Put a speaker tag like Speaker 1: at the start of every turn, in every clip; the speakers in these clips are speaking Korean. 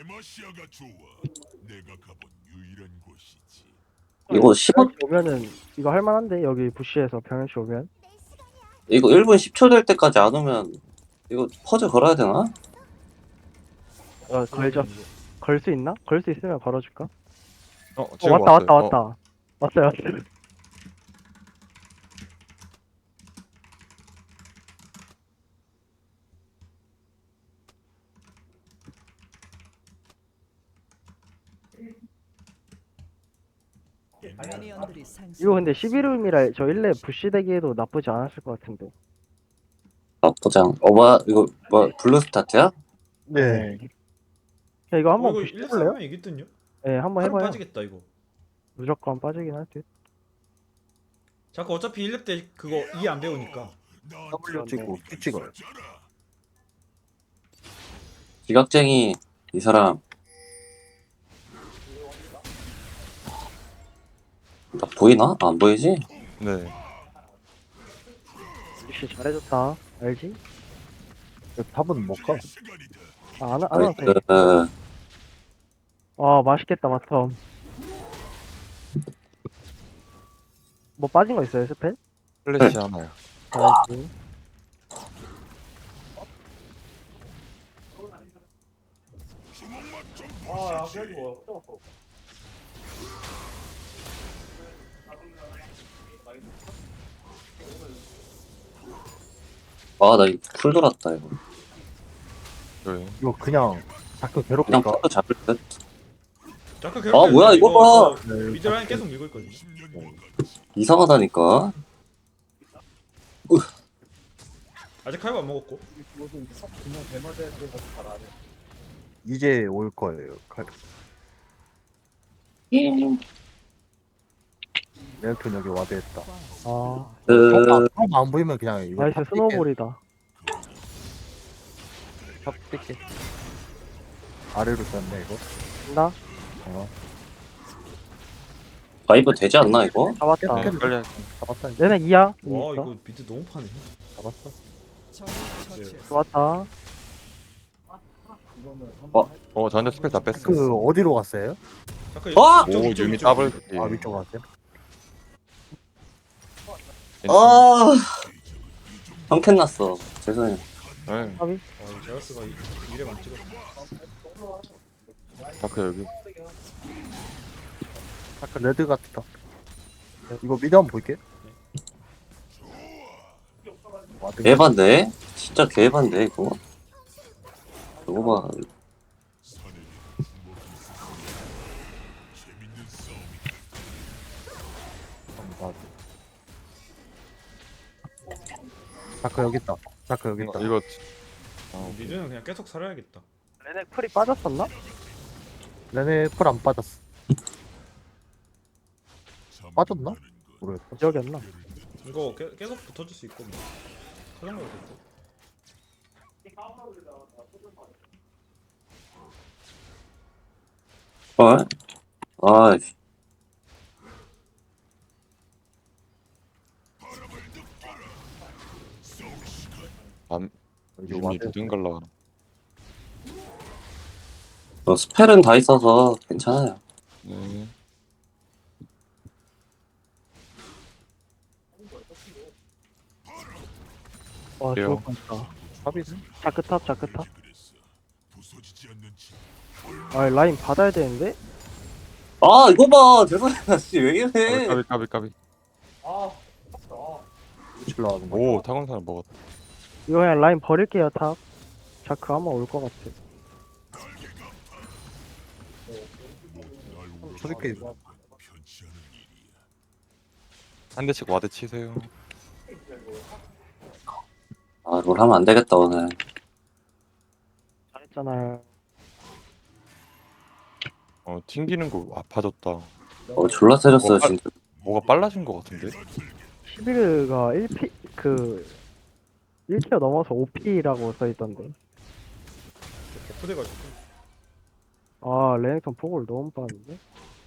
Speaker 1: 데마시아가 좋아. 내가 가본 유일한 곳이지.
Speaker 2: 이거 15,
Speaker 3: 병현씨 오면은 이거 할만한데 여기 부시에서 병현씨 오면
Speaker 2: 이거 1분 10초 될 때까지 안 오면 이거 퍼즐 걸어야 되나?
Speaker 3: 걸죠. 걸 수 있나? 걸 수 있으면 걸어줄까?
Speaker 4: 지금
Speaker 3: 왔다
Speaker 4: 왔어요.
Speaker 3: 왔다 왔다 왔어요 왔어요. 이거 근데 11룸이라 저 1렙 부시 대기에도 나쁘지 않았을 것 같은데.
Speaker 2: 나쁘장. 뭐야, 이거, 뭐, 블루 스타트야?
Speaker 3: 네. 야, 이거 한번
Speaker 5: 이거
Speaker 3: 부시
Speaker 5: 1,
Speaker 3: 해볼래요?
Speaker 5: 3면 이기든요?
Speaker 3: 네, 한번
Speaker 5: 칼은
Speaker 3: 해봐요.
Speaker 5: 빠지겠다 이거.
Speaker 3: 무조건 빠지긴 할 듯.
Speaker 5: 자꾸 어차피 1렙 때 그거 E 안 배우니까.
Speaker 6: W 찍고 Q 찍어요.
Speaker 2: 지각쟁이, 이 사람. 나 보이나? 안 보이지?
Speaker 4: 네.
Speaker 3: 부시 잘해줬다. 알지?
Speaker 6: 탑은 못 가.
Speaker 3: 안 와도 돼.
Speaker 2: 그,
Speaker 3: 맛있겠다, 마텀. 뭐 빠진 거 있어요, 스펠?
Speaker 4: 플래시 하나요.
Speaker 3: 알지.
Speaker 2: 나 이거 풀 돌았다, 이거.
Speaker 4: 네.
Speaker 6: 이거 그냥 자꾸
Speaker 2: 그냥
Speaker 6: 괴롭힐까?
Speaker 2: 풀도 잡을 듯?
Speaker 5: 잠깐
Speaker 2: 뭐야, 이거 봐!
Speaker 5: 저 미드 라인 계속 밀고 있거든요.
Speaker 2: 이상하다니까.
Speaker 5: 아직 칼바 안 먹었고.
Speaker 6: 이제 올 거예요. 레어톤 여기 와드했다. 안 보이면 그냥 이거
Speaker 3: 나이스
Speaker 6: 탑
Speaker 3: 스노우볼이다.
Speaker 6: 뛸게. 아래로 쐈네 이거.
Speaker 3: 나
Speaker 2: 바이브 되지 않나, 이거?
Speaker 3: 잡았다.
Speaker 4: 네, 빨리
Speaker 6: 잡았다.
Speaker 3: 얘네 2야.
Speaker 5: 와 이거 미드 너무 파네.
Speaker 6: 잡았어.
Speaker 3: 좋았다.
Speaker 4: 저한테 스펠 다 뺐어.
Speaker 6: 그 어디로 갔어요?
Speaker 5: 잠깐
Speaker 2: 어!
Speaker 4: 오, 유미 더블. 예.
Speaker 6: 위쪽 갔어요?
Speaker 2: 형캔 났어. 죄송해요.
Speaker 4: 네.
Speaker 3: 까비.
Speaker 5: 제라스가 미래만 찍었어.
Speaker 4: 다크 여기.
Speaker 6: 아까 레드 같다. 이거 미드 한번 볼게. 와드.
Speaker 2: 개반데? 진짜 개반데, 이거? 이거 봐.
Speaker 6: 자크 여기 있다. 자크 여기 있다.
Speaker 4: 이거
Speaker 5: 미드는 그냥 계속 살아야겠다.
Speaker 3: 얘네 풀이 빠졌었나?
Speaker 6: 레네 풀 안 빠졌어. 빠졌나? 모르겠다.
Speaker 3: 기억이 안 나.
Speaker 5: 이거 계속 붙어줄 수 있고 뭐. 사정거도 됐고.
Speaker 2: 아이씨.
Speaker 6: 여기
Speaker 4: 유미
Speaker 6: 와드.
Speaker 4: 무등 갈라.
Speaker 2: 스펠은 다 있어서 괜찮아요.
Speaker 4: 네.
Speaker 3: 와,
Speaker 4: 그래요.
Speaker 3: 죽을 뻔했다.
Speaker 6: 탑이지?
Speaker 3: 자크탑, 자크탑. 라인 받아야 되는데?
Speaker 2: 이거 봐! 죄송해요, 씨, 왜 이래!
Speaker 4: 까비.
Speaker 6: 칠러 하는 거.
Speaker 4: 오, 타곤사는 먹었다.
Speaker 3: 이거 그냥 라인 버릴게요, 탑. 자크 아마 올 것 같아.
Speaker 6: 저렇게
Speaker 4: 한 대씩 와드 치세요.
Speaker 2: 롤 하면 안 되겠다, 오늘.
Speaker 3: 잘했잖아요.
Speaker 4: 튕기는 거 아파졌다.
Speaker 2: 졸라 세졌어요,
Speaker 4: 빨-
Speaker 2: 진짜.
Speaker 4: 뭐가 빨라진 거 같은데?
Speaker 3: 11가 1티어 넘어서 5P라고 써있던데.
Speaker 5: 개푸돼가지고.
Speaker 3: 레넥턴 포골 너무 빠른데?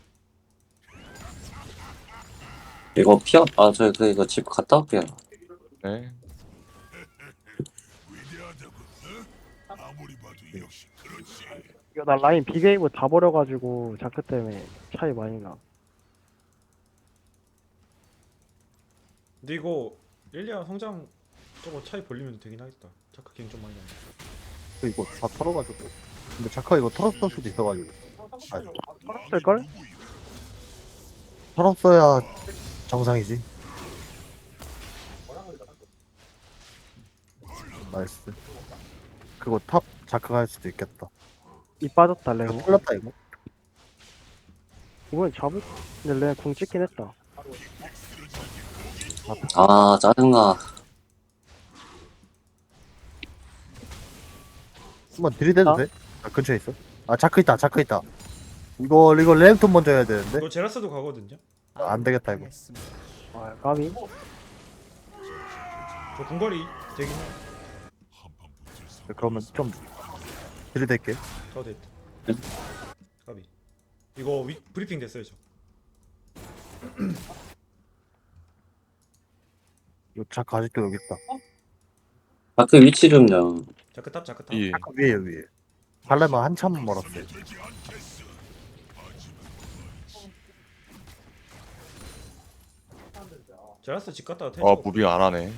Speaker 2: 이거 이거 집 갔다 올게요.
Speaker 4: 네.
Speaker 3: 이거 나 라인 비게이브 다 버려가지고 자크 때문에 차이 많이 나.
Speaker 5: 근데 이거 릴리아 성장 저거 차이 벌리면 되긴 하겠다. 자크 갱 좀 많이 나네.
Speaker 6: 이거 다 털어가지고. 근데 자카 이거 털었을 수도 있어가지고. 아니,
Speaker 3: 쓸걸?
Speaker 6: 털었어야 정상이지. 나이스. 그거 탑 자카가 할 수도 있겠다.
Speaker 3: 이 빠졌다 레오.
Speaker 6: 털렸다 이거.
Speaker 3: 이번엔 잡을. 근데 레오 궁 찍긴 했다.
Speaker 2: 아 짜증나.
Speaker 6: 한번 들이대도
Speaker 3: 어?
Speaker 6: 돼? 아 근처에 있어. 아 자크 있다 자크 있다. 이거 램톤 먼저 해야 되는데.
Speaker 5: 이거 제라스도 가거든요.
Speaker 6: 아, 안 되겠다 이거.
Speaker 3: 아 까비.
Speaker 5: 저 궁궐이 되긴 해.
Speaker 1: 한판 붙을 상
Speaker 6: 그러면 좀 들이댈게.
Speaker 5: 더 됐다. 까비. 이거 브리핑 됐어요 저.
Speaker 6: 이거 자크 아직도 여기 있다.
Speaker 2: 아 그 위치 좀요.
Speaker 5: 자크 탑 자크 탑.
Speaker 4: 이
Speaker 6: 자크 위에 위에. 발레만 한참 멀었어요.
Speaker 1: 되지 않겠어.
Speaker 5: 제라스 집 갔다가 텔.
Speaker 4: 무빙 안 하네.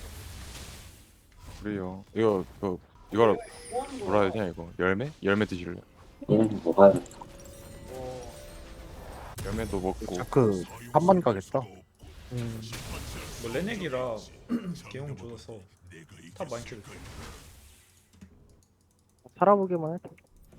Speaker 4: 그래요. 이거를 뭐라 해야 되냐 이거 열매? 열매 드실래?
Speaker 2: 얘는 뭐가
Speaker 4: 열매도 먹고.
Speaker 6: 자크 한만 가겠다.
Speaker 5: 뭐 레넥이라 개용 줘서 탑 많이 키를.
Speaker 3: 살아보기만 해.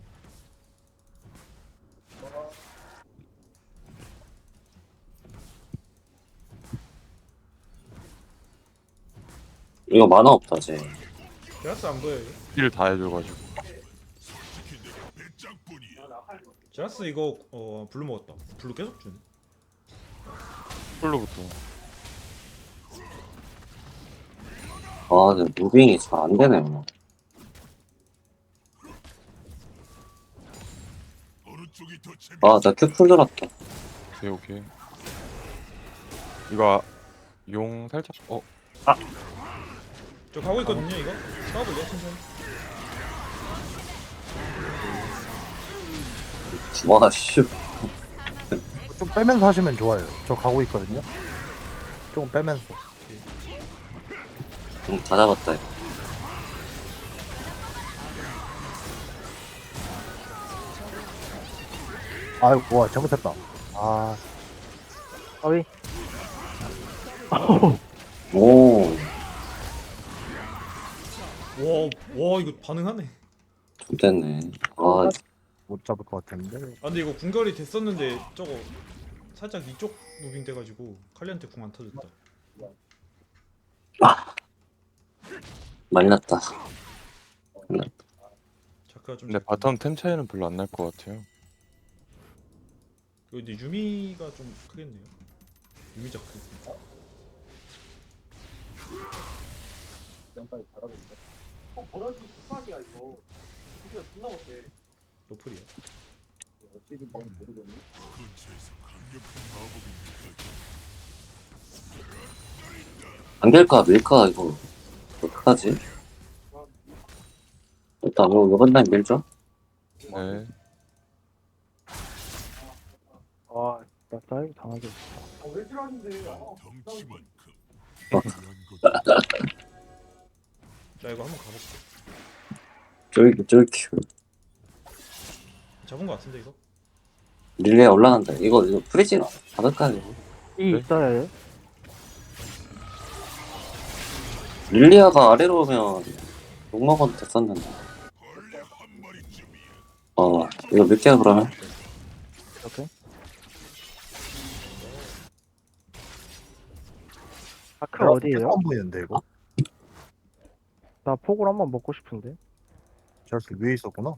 Speaker 2: 이거 만화 없다 쟤.
Speaker 5: 제라스 안 보여요?
Speaker 4: 힐 다 해줘가지고.
Speaker 1: 솔직히 내가 배짱뿐이야.
Speaker 5: 제라스 이거 블루 먹었다. 블루 계속 주네.
Speaker 4: 풀로부터.
Speaker 2: 아 근데 무빙이 잘 안 되네. 뭐.
Speaker 1: 어느 쪽이 더 재밌어?
Speaker 2: 아나 큐풀 들었다.
Speaker 4: 오케이 오케이. 이거 용 살짝
Speaker 5: 저 가고 있거든요 이거. 싸워볼래 천천히.
Speaker 2: 와 씨.
Speaker 6: 좀 빼면서 하시면 좋아요. 저 가고 있거든요. 조금 빼면서.
Speaker 2: 다 잡았다. 이거.
Speaker 6: 아이고 와 잘못했다. 아
Speaker 3: 까비.
Speaker 2: 오.
Speaker 5: 와 이거 반응하네.
Speaker 2: 좀 됐네. 아
Speaker 6: 못 잡을 것 같았는데.
Speaker 5: 아 근데 이거 궁결이 됐었는데 저거 살짝 이쪽 무빙 돼가지고 칼리한테 궁 안 터졌다.
Speaker 2: 말렸다.
Speaker 5: 자크가 좀.
Speaker 4: 근데 바텀 템 차이는 별로 안 날 것 같아요.
Speaker 5: 이거 근데 유미가 좀 크겠네요. 유미 자크. 노플이야.
Speaker 1: 근처에서 강력한 마법이 느껴져.
Speaker 2: 안 될까 밀까 이거 어떡하지? 일단 이번 날 밀죠.
Speaker 4: 네.
Speaker 3: 아, 나 다이브 당하겠어.
Speaker 1: 덩치만큼
Speaker 2: 어.
Speaker 1: 중요한 것
Speaker 5: 자 이거 한번 가볼게.
Speaker 2: 쫄큐.
Speaker 5: 잡은 거 같은데 이거?
Speaker 2: 릴레이 올라간다. 이거 프리징 받을까 이거?
Speaker 3: 이
Speaker 4: 네?
Speaker 3: 있어야 돼.
Speaker 2: 릴리아가 아래로 오면 욕먹어도 됐었는데.
Speaker 1: 벌레 한 마리쯤이야.
Speaker 2: 이거 밀게요 그러면.
Speaker 3: 이렇게. 아크 어디에요?
Speaker 6: 안 보이는데 이거.
Speaker 3: 나 폭을 한번 먹고 싶은데.
Speaker 6: 저렇게 위에 있었구나.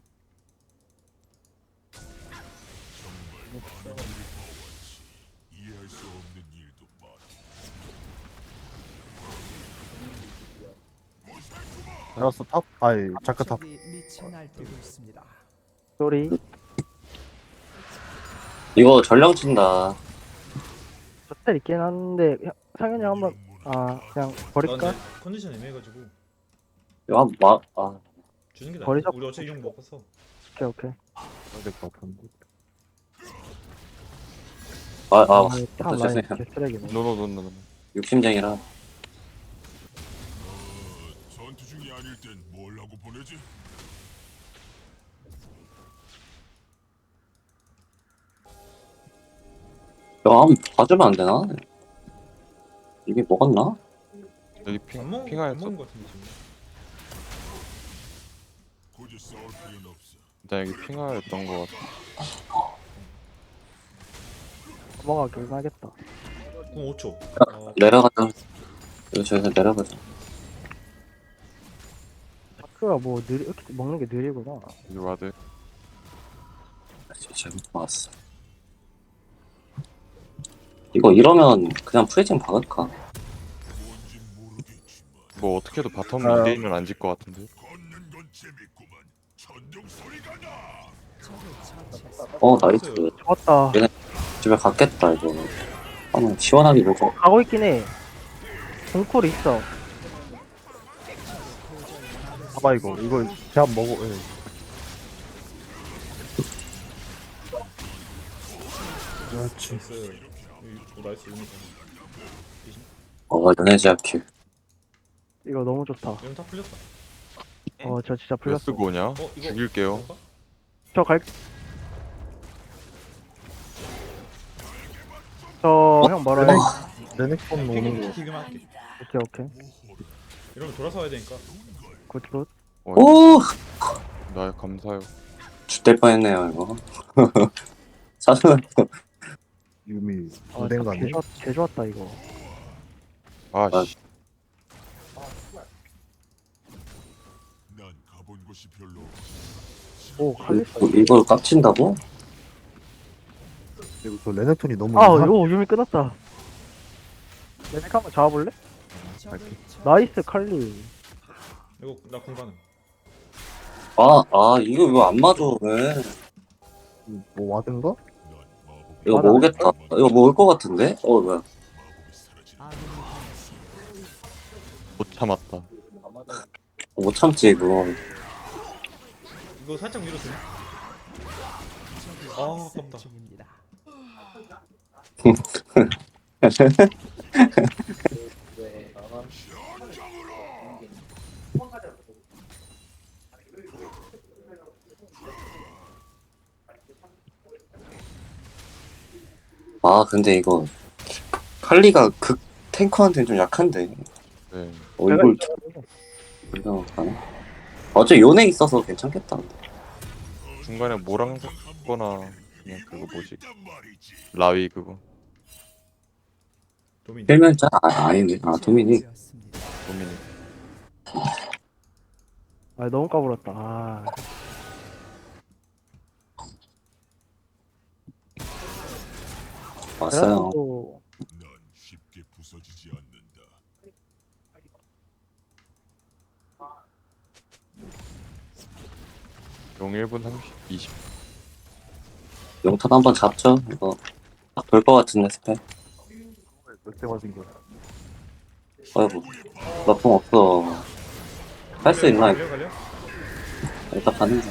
Speaker 1: 이해할 수 없는 일도 많아.
Speaker 6: 알았어 탑. 아이 자크 탑.
Speaker 7: 적이 미쳐 날뛰고 있습니다.
Speaker 3: 쏘리.
Speaker 2: 이거 전령 친다.
Speaker 3: 저텔 있긴 한데 상현이 한번 그냥
Speaker 5: 나
Speaker 3: 버릴까?
Speaker 5: 근데 컨디션 애매해가지고
Speaker 2: 이거 한번
Speaker 5: 주는 게 나아.
Speaker 3: 버리자.
Speaker 5: 우리 어차피 용 먹어서.
Speaker 3: 오케이 오케이.
Speaker 6: 될것 같은데.
Speaker 3: 탑 라인
Speaker 2: 죄송해요.
Speaker 3: 개쓰레기네.
Speaker 4: 노노노노노.
Speaker 2: 욕심쟁이라.
Speaker 1: 전투 중이 아닐 땐 뭘 하고 보내지?
Speaker 2: 야, 한번 봐주면 안 되나? 이미 먹었나?
Speaker 4: 여기
Speaker 5: 안
Speaker 4: 핑하였어.
Speaker 5: 먹은 거 같은데 지금.
Speaker 1: 굳이 싸울 필요는 없어.
Speaker 4: 일단 여기 핑하였던 거 같아.
Speaker 3: 넘어가긴 하겠다.
Speaker 5: 궁 5초.
Speaker 2: 내려가자. 이거 저기서 내려가자.
Speaker 3: 다크가 뭐 이렇게 먹는 게 느리구나.
Speaker 4: 여기 와드.
Speaker 2: 잘못 봤어. 이거 이러면 그냥 프리징 박을까?
Speaker 1: 뭔진 모르겠지만
Speaker 4: 뭐 어떻게 해도 바텀
Speaker 6: 아.
Speaker 4: 2대1은 안 질 것 같은데.
Speaker 1: 걷는 건 재밌구만. 천둥 소리가 나.
Speaker 2: 나이스.
Speaker 3: 좋았다.
Speaker 2: 집에 갔겠다, 이거. 한번 시원하게 먹어.
Speaker 3: 가고 있긴 해. 공콜 있어.
Speaker 6: 봐봐 이거 제압 먹어. 예. 그렇지.
Speaker 5: 나이스 유니콘.
Speaker 2: 연애 제압킬.
Speaker 3: 이거 너무 좋다.
Speaker 5: 이건 다 풀렸다.
Speaker 3: 저 진짜
Speaker 4: 왜
Speaker 3: 풀렸어.
Speaker 4: 쓰고 오냐?
Speaker 5: 이거
Speaker 4: 죽일게요.
Speaker 5: 볼까?
Speaker 3: 저 갈. 저 형 멀어요.
Speaker 6: 레넥톤 오는 거.
Speaker 5: 튀기만 할게.
Speaker 3: 오케이 오케이.
Speaker 5: 이러면 돌아서 와야 되니까.
Speaker 3: 굿굿.
Speaker 2: 오!
Speaker 4: 나 감사해요.
Speaker 2: 죽될 뻔했네요, 이거. 사실
Speaker 6: 유미
Speaker 3: 아,
Speaker 6: 된 거 아니야?
Speaker 3: 개 좋았다 이거.
Speaker 4: 아씨.
Speaker 1: 난 가본 곳이 별로.
Speaker 3: 오 칼리스.
Speaker 2: 이걸 깝친다고?
Speaker 6: 그리고 저 레넥톤이 너무
Speaker 3: 이거 유미 끊었다. 레넥 한번 잡아볼래? 나이스 칼리.
Speaker 5: 이거 나 공간은.
Speaker 2: 이거 왜 안 맞아, 왜?
Speaker 6: 뭐 와든가?
Speaker 1: 난 마법의
Speaker 2: 이거
Speaker 3: 맞아.
Speaker 2: 모으겠다. 이거 모을 것 같은데? 뭐야.
Speaker 1: 마법이 사라지는
Speaker 4: 못 참았다.
Speaker 2: 못 참지, 이거.
Speaker 5: 이거 살짝 위로 주네. 아깝다.
Speaker 7: 중입니다.
Speaker 2: 근데 이거 칼리가 극 탱커한테는 좀 약한데.
Speaker 4: 네.
Speaker 2: 이걸 이거 가나? 어차피 요네 있어서 괜찮겠다.
Speaker 4: 중간에 모랑 섞거나 그냥 그거 뭐지?
Speaker 1: 있단 말이지.
Speaker 4: 라위 그거.
Speaker 5: 도민.
Speaker 2: 필면자? 아니네. 도미닉.
Speaker 7: 되었습니다.
Speaker 4: 도미니.
Speaker 3: 너무 까불었다.
Speaker 2: 왔어요.
Speaker 3: 그래도
Speaker 1: 난 쉽게 부서지지 않는다.
Speaker 4: 용 1분 30, 20.
Speaker 2: 용턴 한번 잡죠. 이거 딱 볼 것 같은데 스펙.
Speaker 6: 몇대 맞은 거야?
Speaker 2: 아이고 나풍 없어. 할 수 있나?
Speaker 5: 갈려?
Speaker 2: 일단 가는 거.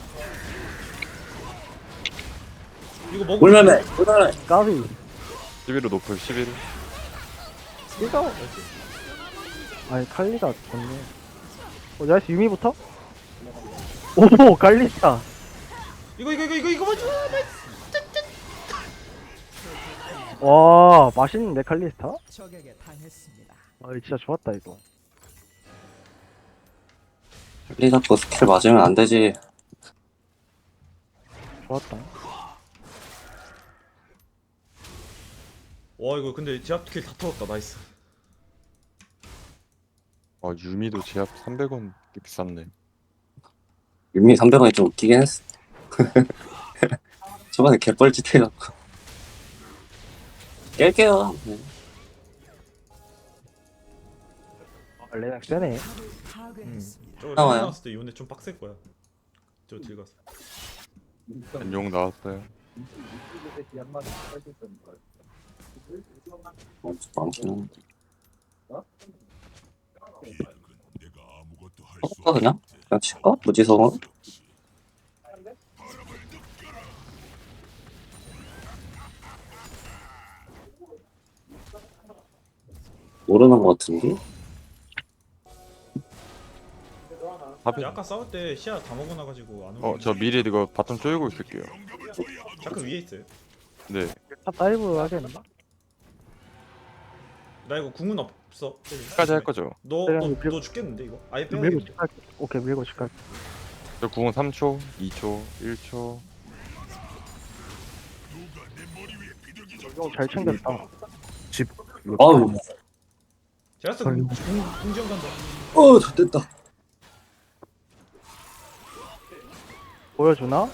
Speaker 5: 이거 먹으면
Speaker 2: 물매매.
Speaker 3: 까비.
Speaker 4: 11호 높을 11호.
Speaker 3: 이거. 칼리가 좋네. 나이스 유미부터? 오 칼리스타.
Speaker 5: 이거 맞죠?
Speaker 3: 와 맛있는데 칼리스타?
Speaker 7: 적에게 당했습니다.
Speaker 3: 진짜 좋았다 이거.
Speaker 2: 칼리 잡고 스킬 맞으면 안 되지.
Speaker 3: 좋았다.
Speaker 5: 와 이거 근데 제압킬 다 털었다. 나이스.
Speaker 4: 유미도 제압 300원 비쌌네.
Speaker 2: 윤미 300원이 좀 웃기긴 했어. 저번에 개뻘짓 해갖고. 깰게요.
Speaker 3: 레넥 세네.
Speaker 7: 파괴했습니다.
Speaker 5: 저거
Speaker 2: 나와요.
Speaker 5: 나왔을 때 이번에 좀 빡셀 거야. 저 들어갔어.
Speaker 4: 용 나왔어요.
Speaker 2: 많긴 한데.
Speaker 1: 비약은 내가 아무것도 할 수
Speaker 2: 할까 그냥?
Speaker 1: 없는데.
Speaker 2: 그냥 칠까? 무지성으로? 모르는 것 같은데?
Speaker 4: 답이.
Speaker 5: 아까 싸울 때 시야 다 먹어놔가지고 안 오고.
Speaker 4: 저 미리 이거 바텀 쪼이고 있을게요.
Speaker 5: 자크 위에 있어요.
Speaker 4: 네.
Speaker 3: 탑 다이브 하겠나?
Speaker 5: 나 이거 궁은 없어.
Speaker 4: 까지 할 거죠.
Speaker 5: 너 죽겠는데 이거? 아예 빼야
Speaker 3: 밀고
Speaker 5: 돼.
Speaker 3: 집 갈게. 오케이 밀고 집 갈게.
Speaker 4: 저 궁은 3초, 2초, 1초.
Speaker 3: 형 잘 챙겼다.
Speaker 6: 집. 이거
Speaker 2: 아우.
Speaker 5: 제라스
Speaker 6: 걸리고.
Speaker 5: 궁지원 간다.
Speaker 2: 좋됐다.
Speaker 3: 보여주나?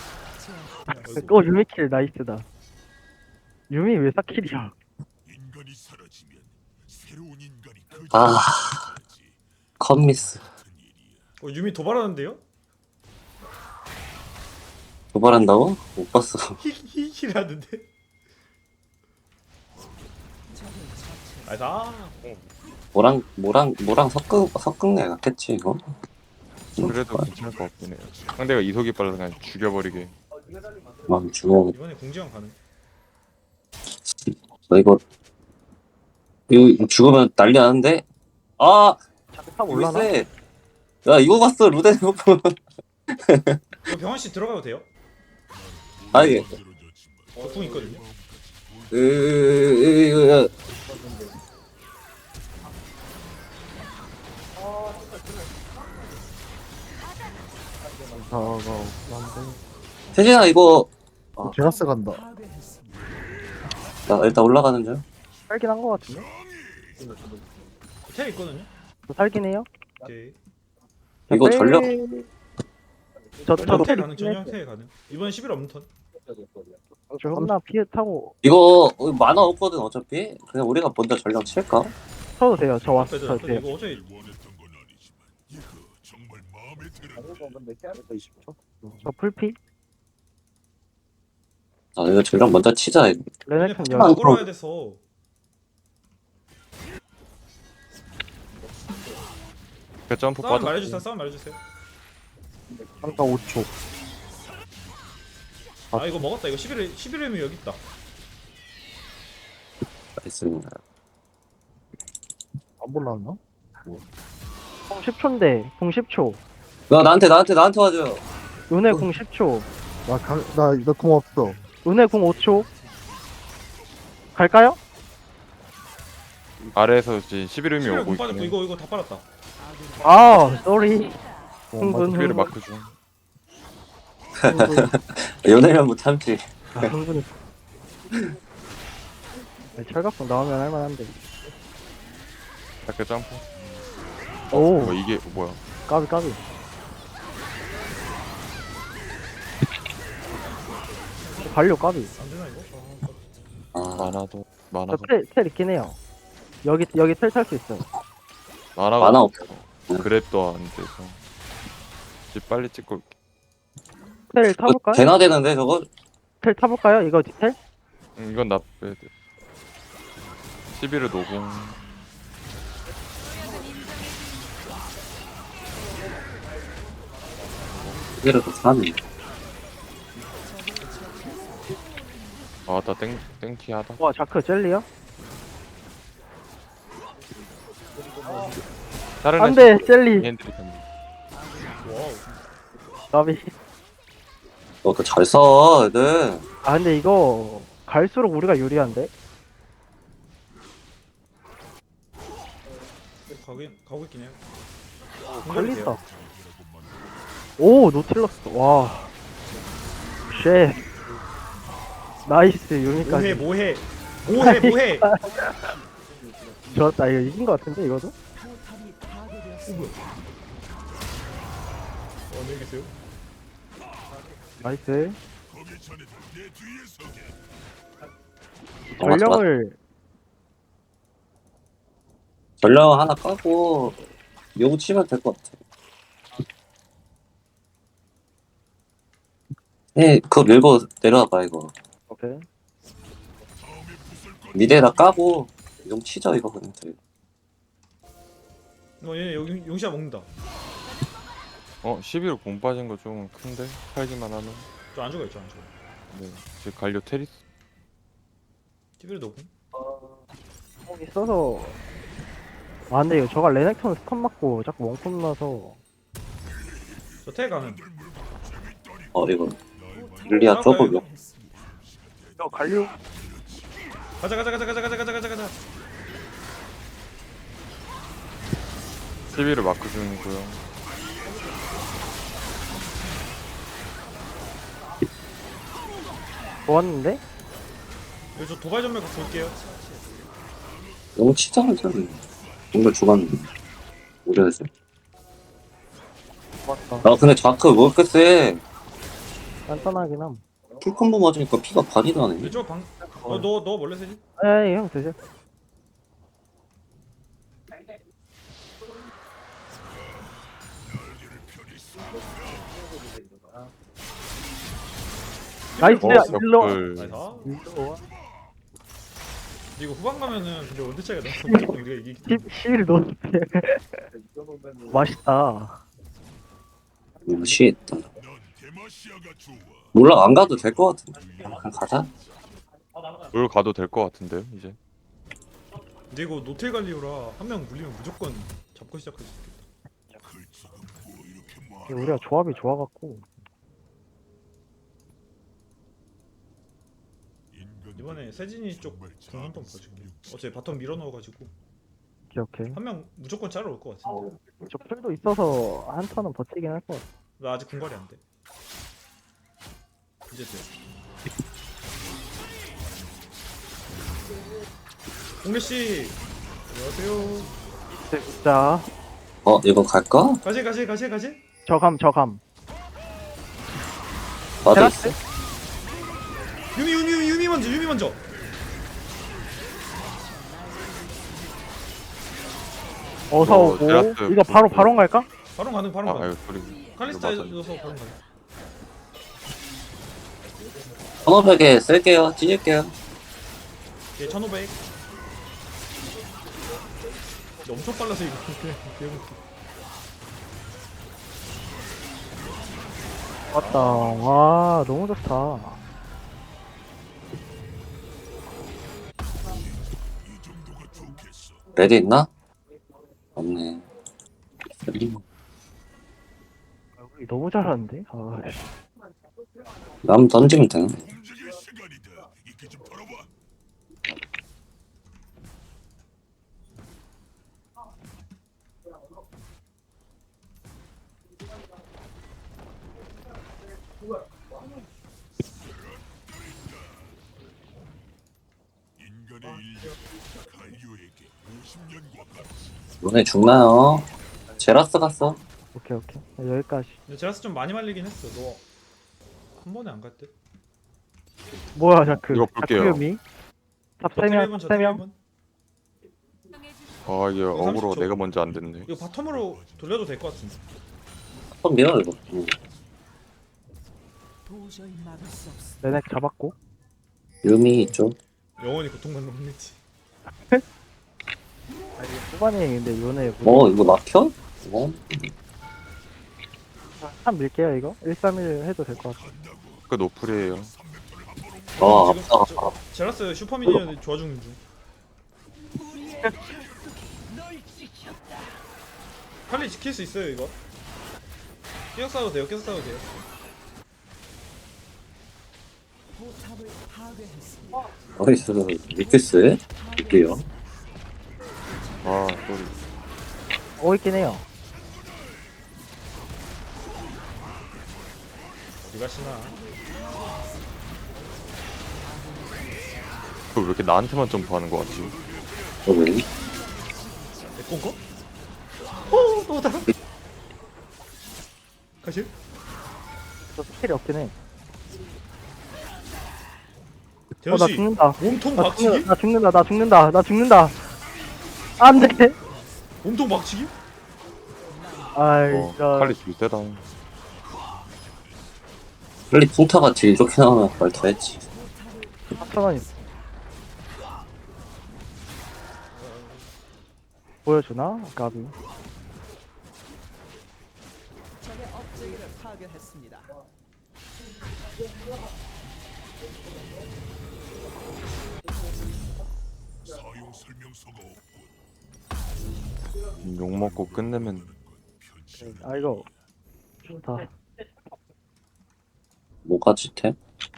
Speaker 3: 유미킬 나이스다. 유미 왜 4킬이야?
Speaker 1: 인간이 사라지면 새로운 인간이 그
Speaker 2: 아. 컷미스.
Speaker 5: 유미 도발하는데요?
Speaker 2: 도발한다고? 못 봤어.
Speaker 5: 히히히라는데. 나이스.
Speaker 2: 뭐랑 섞은 애 같겠지, 이거?
Speaker 4: 그래도 괜찮을 것 같긴 해요. 상대가 이속이 빨라서 그냥 죽여버리게.
Speaker 2: 마음 죽어.
Speaker 5: 이번에 공지원 가능.
Speaker 2: 너 이거 죽으면 난리 나는데? 아!
Speaker 3: 탑 올라나?
Speaker 2: 세. 야, 이거 봤어, 루덴 오프.
Speaker 5: 이거 병원 씨 들어가도 돼요?
Speaker 2: 아, 예.
Speaker 5: 궁 있거든요.
Speaker 2: 으, 세진아, 이거,
Speaker 6: 제라스 간다.
Speaker 7: 파괴했습니다.
Speaker 2: 나 일단 올라가는 중.
Speaker 3: 살긴 한 거 같은데?
Speaker 5: 텔 있거든요.
Speaker 3: 저 살긴 해요?
Speaker 5: 오케이.
Speaker 2: 이거 전력,
Speaker 3: 저도
Speaker 5: 텔 가능. 전용 텔 가능. 이번 11 없는 턴.
Speaker 3: 저 홈나 피해 타고
Speaker 2: 이거 만화 없거든, 어차피. 그냥 우리가 먼저 전력 칠까?
Speaker 3: 쳐도 돼요. 저 왔어.
Speaker 5: 빼도
Speaker 3: 저
Speaker 5: 돼.
Speaker 3: 돼요.
Speaker 5: 이거 어차피
Speaker 1: 원했던 건 아니지만 이거 정말 마음에 들어.
Speaker 3: 저 풀피?
Speaker 2: 아, 이거 전력 먼저 치자. 이거.
Speaker 3: 레네콘
Speaker 5: 얘네
Speaker 3: 열.
Speaker 5: 끌어야 돼서.
Speaker 4: 그 점프
Speaker 5: 싸움
Speaker 4: 빠져.
Speaker 5: 말해주세요. 싸움 말해주세요.
Speaker 6: 3가 5초.
Speaker 5: 아 이거 먹었다. 이거 11회면 여기 있다.
Speaker 2: 있습니다.
Speaker 6: 안 올라왔나?
Speaker 3: 공 10초인데 공 10초.
Speaker 2: 야, 나한테 와줘.
Speaker 3: 은혜 공 10초.
Speaker 6: 나공 없어.
Speaker 3: 은혜 공 5초. 갈까요?
Speaker 4: 아래에서 이제 11음이
Speaker 5: 11회
Speaker 4: 오고
Speaker 5: 공 빠졌고
Speaker 4: 있고.
Speaker 5: 이거 다 빨았다.
Speaker 3: 아, 쏘리. 흥분,
Speaker 4: 11을
Speaker 3: 흥분.
Speaker 4: 마크 중.
Speaker 2: 연애면 못 참지.
Speaker 3: 흥분이. 철갑성 나오면 할만한데.
Speaker 4: 자크 점프.
Speaker 3: 오,
Speaker 4: 이게 뭐야?
Speaker 3: 까비 까비. 발료 까비.
Speaker 5: 안 되나 이거?
Speaker 2: 아,
Speaker 4: 만화도
Speaker 3: 저
Speaker 4: 만화도
Speaker 3: 텔 있긴 해요. 여기 텔 탈 수 있어요.
Speaker 4: 만화가
Speaker 2: 만화
Speaker 4: 없어. 그랩도 안 돼서. 이제 빨리 찍고 올게.
Speaker 3: 텔 타볼까요?
Speaker 2: 되나 되는데, 저거?
Speaker 3: 텔 타볼까요? 이거 텔?
Speaker 4: 이건 나 빼야 돼. 11을 노공.
Speaker 2: 이래도 사네.
Speaker 4: 아나 땡티하다.
Speaker 3: 와, 자크 젤리야?
Speaker 4: 다른
Speaker 3: 안 돼, 젤리.
Speaker 4: 핸들이 좀.
Speaker 5: 와우.
Speaker 3: 까비.
Speaker 2: 너도 잘 써, 애들.
Speaker 3: 아, 근데 이거 갈수록 우리가 유리한데?
Speaker 5: 가고 있긴 해요.
Speaker 3: 걸린다. 오, 노틸러스. 와. 쉣. 나이스, 유미까지.
Speaker 5: 뭐해.
Speaker 3: 좋았다. 이거 이긴 거 같은데, 이거도?
Speaker 7: 포탑이 파괴되었습니다.
Speaker 5: 안녕히 계세요.
Speaker 3: 나이스.
Speaker 1: 거기 전에도 내 뒤에 서게.
Speaker 2: 전력 하나 까고, 요구 치면 될 것 같아. 그거 밀고 내려와봐, 이거.
Speaker 3: 오케이.
Speaker 2: 미래라 까고, 용 치자, 이거 그냥.
Speaker 5: 얘네 여기 용시야 먹는다.
Speaker 4: 11호 공 빠진 거 좀 큰데? 살기만 하면.
Speaker 5: 저 안 죽어요, 저 안 죽어.
Speaker 4: 네. 제 갈려 테리스.
Speaker 5: TV를 넣고.
Speaker 3: 거기 써서. 아, 근데 이거 저가 레넥톤 스턴 맞고 자꾸 원콤 나서.
Speaker 5: 저태 가는.
Speaker 2: 이거 릴리아 좁으려.
Speaker 3: 이거 갈려.
Speaker 5: 가자.
Speaker 4: 11호 마크 중이고요.
Speaker 3: 좋았는데?
Speaker 5: 여기 저 도발 전멸 볼게요.
Speaker 2: 너무 치장하잖아. 정말 죽었는데. 우려해서.
Speaker 3: 좋았다.
Speaker 2: 아 근데 자크 왜 이렇게 세?
Speaker 3: 간단하긴 함.
Speaker 2: 풀콤보 맞으니까 피가 반이 나네.
Speaker 5: 이쪽 방. 너 원래 세지?
Speaker 3: 에이, 형 드세요. 나이스, 일로.
Speaker 4: 옆을.
Speaker 5: 나이스.
Speaker 3: 일로.
Speaker 5: 근데 이거 후반 가면은 근데 원대 차이가 나서 무조건 우리가 이기기.
Speaker 3: 11 넣었대. 맛있다.
Speaker 2: 무시했다.
Speaker 1: 넌 데마시아가 좋아.
Speaker 2: 몰라 안 가도 될 것 같은데. 그냥 가자.
Speaker 4: 물 가도 될 것 같은데요, 이제.
Speaker 5: 근데 이거 노텔 갈리오라 한 명 물리면 무조건 잡고 시작할 수 있겠다.
Speaker 1: 글쩍은 뭐 이렇게 많아.
Speaker 3: 우리가 조합이 좋아갖고.
Speaker 1: 인간
Speaker 5: 이번에 세진이 쪽 공 한 번 봐줄게. 어차피 바텀 밀어 넣어가지고
Speaker 3: 오케이.
Speaker 5: 한 명 무조건 짜러 올 것 같은데.
Speaker 3: 저 풀도 있어서 한 턴은 버티긴 할 것 같아.
Speaker 5: 나 아직 군발이 안 돼. 이제 돼. 공래 씨, 안녕하세요.
Speaker 3: 자,
Speaker 2: 이거 갈까?
Speaker 5: 가지.
Speaker 3: 저감.
Speaker 2: 나도
Speaker 3: 테라스?
Speaker 2: 있어.
Speaker 5: 유미 먼저.
Speaker 3: 어서 오고.
Speaker 4: 테라스
Speaker 3: 이거 바로 갈까?
Speaker 5: 바로 가는.
Speaker 4: 아, 이거 소리.
Speaker 5: 칼리스타에서 바로 가는.
Speaker 2: 1500에 쓸게요. 찢을게요.
Speaker 5: 얘 1500. 근데 엄청 빨라서 이거 그냥 그냥
Speaker 3: 맞다. 와, 너무 좋다.
Speaker 2: 레드 있나? 없네.
Speaker 3: 우리 너무 잘하는데? 아,
Speaker 2: 남 던지면 되나?
Speaker 1: 움직일 시간이다. 이렇게 좀 털어봐. 인간의 인력 갈류에게 50년과 같이.
Speaker 2: 너네 죽나요? 제라스 갔어.
Speaker 3: 오케이. 여기까지.
Speaker 5: 근데 제라스 좀 많이 말리긴 했어. 너 한 번에 안 갈 듯?
Speaker 3: 뭐야, 자크.
Speaker 4: 이거 볼게요.
Speaker 3: 자크유미? 탑 3명,
Speaker 5: 저
Speaker 3: 3명.
Speaker 5: 번
Speaker 4: 아, 이게 어그로
Speaker 5: 30초.
Speaker 4: 내가 먼저 안 됐네.
Speaker 5: 이거 바텀으로 돌려도 될 것 같은데.
Speaker 2: 한번 밀어 이거.
Speaker 7: 도저히 막을 수 없어.
Speaker 3: 레넥 잡았고.
Speaker 2: 유미 있죠?
Speaker 5: 영원히 고통받는 혼내지.
Speaker 3: 아, 이게 후반에 근데 요네.
Speaker 2: 이거 막혀?
Speaker 3: 한 밀게요, 이거. 131 해도 될 것 같아.
Speaker 4: 그 노플이에요.
Speaker 5: 지금
Speaker 2: 아프다.
Speaker 5: 제라스 슈퍼미니언 좋아 죽는 중. 칼리 지킬 수 있어요 이거. 계속 싸워도 돼요.
Speaker 7: 포탑을 파괴했습니다.
Speaker 2: 어디서 미크스? 있게요.
Speaker 4: 아, 소리.
Speaker 3: 있긴 해요.
Speaker 5: 어디 가시나?
Speaker 4: 왜 이렇게 나한테만 점프하는 거 같지?
Speaker 2: 왜?
Speaker 5: 내 건가? 너다. 가실?
Speaker 3: 저 스킬이 없긴 해.
Speaker 5: 대현
Speaker 3: 나
Speaker 5: 씨
Speaker 3: 죽는다.
Speaker 5: 몸통
Speaker 3: 나
Speaker 5: 박치기?
Speaker 3: 나 죽는다. 안 돼.
Speaker 5: 몸통 박치기?
Speaker 3: 아이,
Speaker 4: 칼리 질 때다.
Speaker 2: 빨리 풍타같이 이렇게 나오면 말더 했지.
Speaker 3: 4,000원 있어. 보여주나? 까비.
Speaker 7: 파괴했습니다.
Speaker 1: 사용 설명서가 없군.
Speaker 4: 욕 먹고 끝내면
Speaker 3: 아 이거 좋다.
Speaker 2: 뭐가 짓해?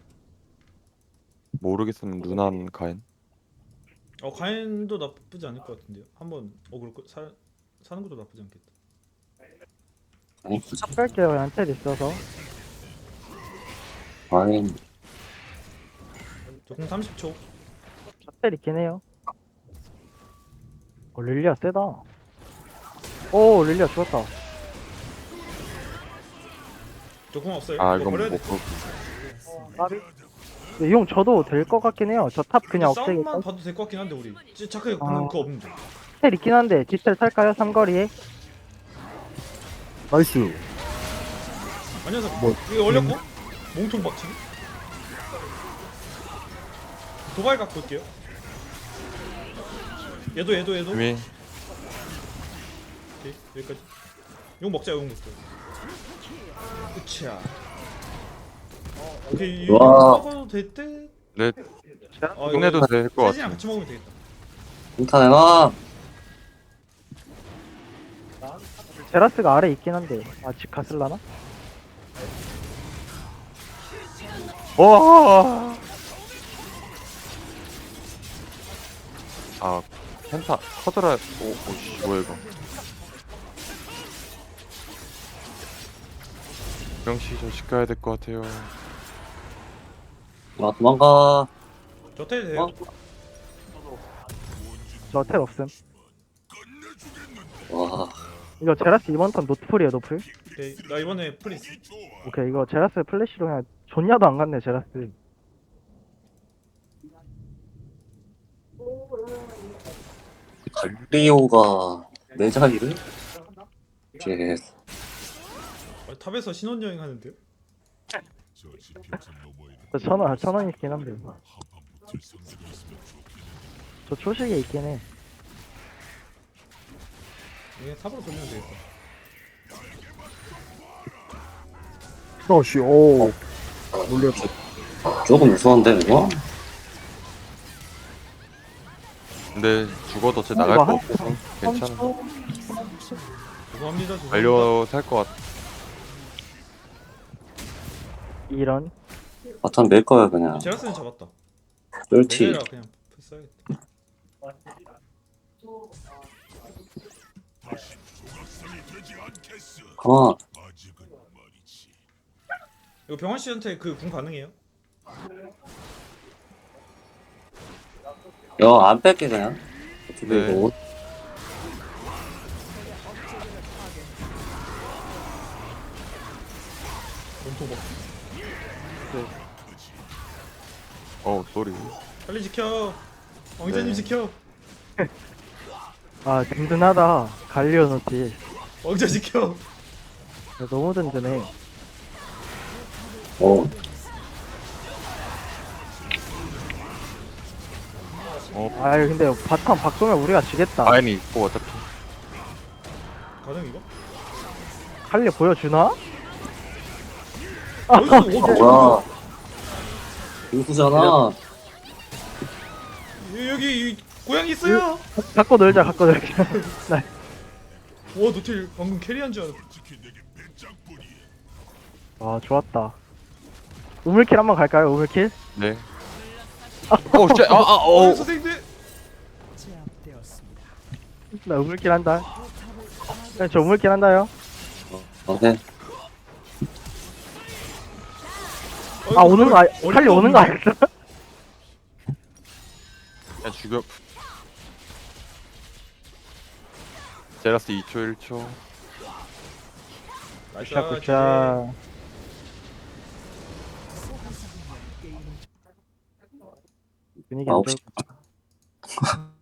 Speaker 4: 모르겠으면 누난 가인.
Speaker 5: 가인도 나쁘지 않을 것 같은데요. 한번 사는 것도 나쁘지 않겠다.
Speaker 2: 아니,
Speaker 3: 뺄게요. 그냥 텔 있어서.
Speaker 2: 아니,
Speaker 5: 저공 30초.
Speaker 3: 텔 있긴 해요. 릴리아 세다. 오 릴리아 죽었다.
Speaker 5: 저공 없어요.
Speaker 4: 아
Speaker 5: 이거
Speaker 4: 이건
Speaker 5: 버려야
Speaker 4: 못
Speaker 5: 돼.
Speaker 4: 볼.
Speaker 3: 까비. 근데 용 저도 될 것 같긴 해요. 저 탑 그냥 없애기.
Speaker 5: 싸움만 봐도 될 것 같긴 한데 우리 착하게
Speaker 3: 아.
Speaker 5: 그거 없는데.
Speaker 3: 텔 있긴 한데 뒷텔 살까요? 삼거리에.
Speaker 6: 나이스.
Speaker 5: 아니어서
Speaker 6: 뭐,
Speaker 5: 이거 올렸고 몸통 박치기. 도발 갖고 올게요. 얘도.
Speaker 4: 이미
Speaker 5: 오케이 여기까지. 용 먹자 용 먹자. 으쌰. 오케이 용
Speaker 2: 와.
Speaker 5: 먹어도 될 듯.
Speaker 4: 네
Speaker 5: 이거
Speaker 4: 끝내도 될 것
Speaker 5: 세진이랑
Speaker 4: 같아.
Speaker 5: 같이 먹으면 되겠다.
Speaker 2: 인타 내놔.
Speaker 3: 제라스가 아래 있긴 한데 집 갔을라나?
Speaker 4: 와. 아 펜타 커드라. 오씨 뭐야 이거. 명씨 좀 집 가야 될 것 같아요.
Speaker 2: 아, 도망가.
Speaker 5: 저태 돼요.
Speaker 3: 저 텔 없음.
Speaker 2: 와,
Speaker 3: 이거 제라스 이번 턴 노트풀이에요 노플.
Speaker 5: 오케이 나 이번에 프리스.
Speaker 3: 오케이 이거 제라스 플래시로 그냥 존냐도 안 갔네 제라스.
Speaker 2: 갈리오가 내 자리를? 제
Speaker 5: 탑에서 신혼여행 하는데요?
Speaker 1: 저 지평선 너머에
Speaker 3: 저 천원 있긴 한데.
Speaker 1: 한판 붙을 상대가 있으면 좋겠는데.
Speaker 3: 저 초식에 있긴 해.
Speaker 5: 그냥 탑으로 돌리면 되겠다.
Speaker 6: 러시, 오. 놀렸어.
Speaker 2: 조금 무서운데 이거?
Speaker 4: 근데 죽어도 쟤 나갈
Speaker 3: 이거
Speaker 4: 거
Speaker 3: 한-
Speaker 4: 없어서 괜찮아.
Speaker 5: 죄송합니다.
Speaker 4: 달려 살 것 같아.
Speaker 3: 이런.
Speaker 2: 바텀 밀 거야 그냥.
Speaker 5: 제라스는 잡았다.
Speaker 2: 쫄티.
Speaker 5: 메데라 그냥 써야겠다.
Speaker 1: 조각상이 되지 않겠어.
Speaker 2: 아,
Speaker 1: 아직은 말이지.
Speaker 5: 이거 병원 씨한테 그 궁 가능해요?
Speaker 2: 안 뺄게 그냥. 어차피
Speaker 4: 네.
Speaker 2: 이거
Speaker 5: 몸통 먹.
Speaker 4: 쏘리.
Speaker 5: 빨리 지켜. 왕자님
Speaker 4: 네.
Speaker 5: 지켜.
Speaker 3: 아 든든하다. 갈리오 노티.
Speaker 5: 왕자 지켜.
Speaker 3: 야, 너무 든든해.
Speaker 2: 어,
Speaker 3: 아 근데 바텀 바꾸면 우리가 지겠다.
Speaker 4: 아인이 있고 어차피.
Speaker 5: 가능 이거?
Speaker 3: 갈리 보여주나?
Speaker 5: 나이스. 오,
Speaker 2: 뭐야? 인수잖아.
Speaker 5: 여기 이 고양이 있어요.
Speaker 3: 갖고 놀자 갖고 놀자. 나
Speaker 5: 와 노틸 방금 캐리한 줄 알았어.
Speaker 1: 특히 내게 배짱뿐이야.
Speaker 3: 아 좋았다. 우물킬 한번 갈까요? 우물킬?
Speaker 4: 네. 오 쉣.
Speaker 5: 선생님들.
Speaker 7: 제압되었습니다.
Speaker 3: 나 우물킬 한다. 네, 저 우물킬 한다요.
Speaker 2: 오케이.
Speaker 3: 아 오는 거 갈리 오는 거 알겠어?
Speaker 4: 그냥 죽여. 제라스 2초 1초.
Speaker 5: 나이스.
Speaker 3: 굿샷 굿샷. 분위기 안
Speaker 2: 9시.
Speaker 3: 좋을